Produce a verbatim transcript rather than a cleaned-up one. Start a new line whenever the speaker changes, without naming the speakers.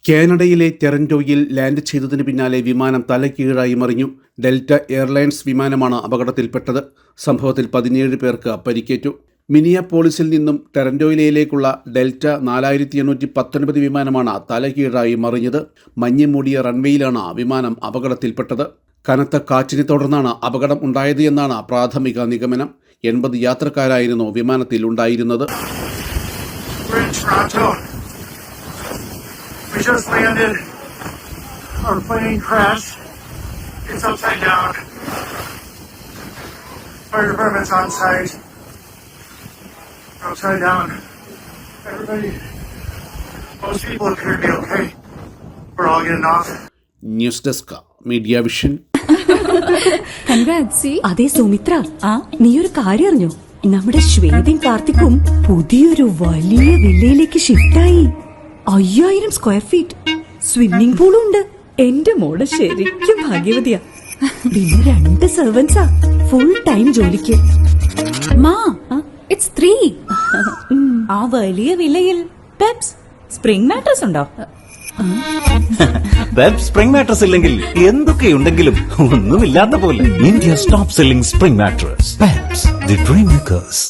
കാനഡയിലെ ടൊറന്റോയിൽ ലാൻഡ് ചെയ്തതിന് പിന്നാലെ വിമാനം തലകീഴായി മറിഞ്ഞു. ഡെൽറ്റ എയർലൈൻസ് വിമാനമാണ് അപകടത്തിൽപ്പെട്ടത്. സംഭവത്തിൽ പതിനേഴ് പേർക്ക് പരിക്കേറ്റു. മിനിയാപോളിസിൽ നിന്നും ടൊറന്റോയിലേക്കുള്ള ഡെൽറ്റ നാലായിരത്തി എണ്ണൂറ്റി പത്തൊൻപത് വിമാനമാണ് തലകീഴായി മറിഞ്ഞത്. മഞ്ഞ് മൂടിയ റൺവേയിലാണ് വിമാനം അപകടത്തിൽപ്പെട്ടത്. കനത്ത കാറ്റിനെ തുടർന്നാണ് അപകടം ഉണ്ടായത് എന്നാണ് പ്രാഥമിക നിഗമനം. എൺപത് യാത്രക്കാരായിരുന്നു വിമാനത്തിൽ ഉണ്ടായിരുന്നത്.
We just landed. Our plane crashed. It's upside down. Fire department's on site. Upside down. Everybody, most people appear to be okay. We're all getting off.
News desk media vision.
അതെ സുമിത്ര, നീ ഒരു കാര്യം അറിഞ്ഞോ? നമ്മുടെ ശ്വേതയും കാർത്തിക്കും പുതിയൊരു വലിയ വില്ലയിലേക്ക് ഷിഫ്റ്റായി. അയ്യായിരം സ്ക്വയർ ഫീറ്റ്, സ്വിമ്മിംഗ് പൂളും ഉണ്ട്. എന്റെ മോള് ശരിക്കും ഭാഗ്യവതിയാ. പിന്നെ രണ്ട് സെർവൻസാ ഫുൾ ടൈം ജോലിക്ക്.
മാ, ഇറ്റ്സ് ത്രീ. ആ വലിയ വില്ലയിൽ പെപ്സ് സ്പ്രിംഗ് മാട്രസ് ഉണ്ടോ?
പെപ്സ് സ്പ്രിംഗ് മാട്രസ് ഇല്ലെങ്കിൽ എന്തൊക്കെയുണ്ടെങ്കിലും ഒന്നുമില്ലാത്ത പോലെ. India's top selling spring mattress Peps, the dream makers.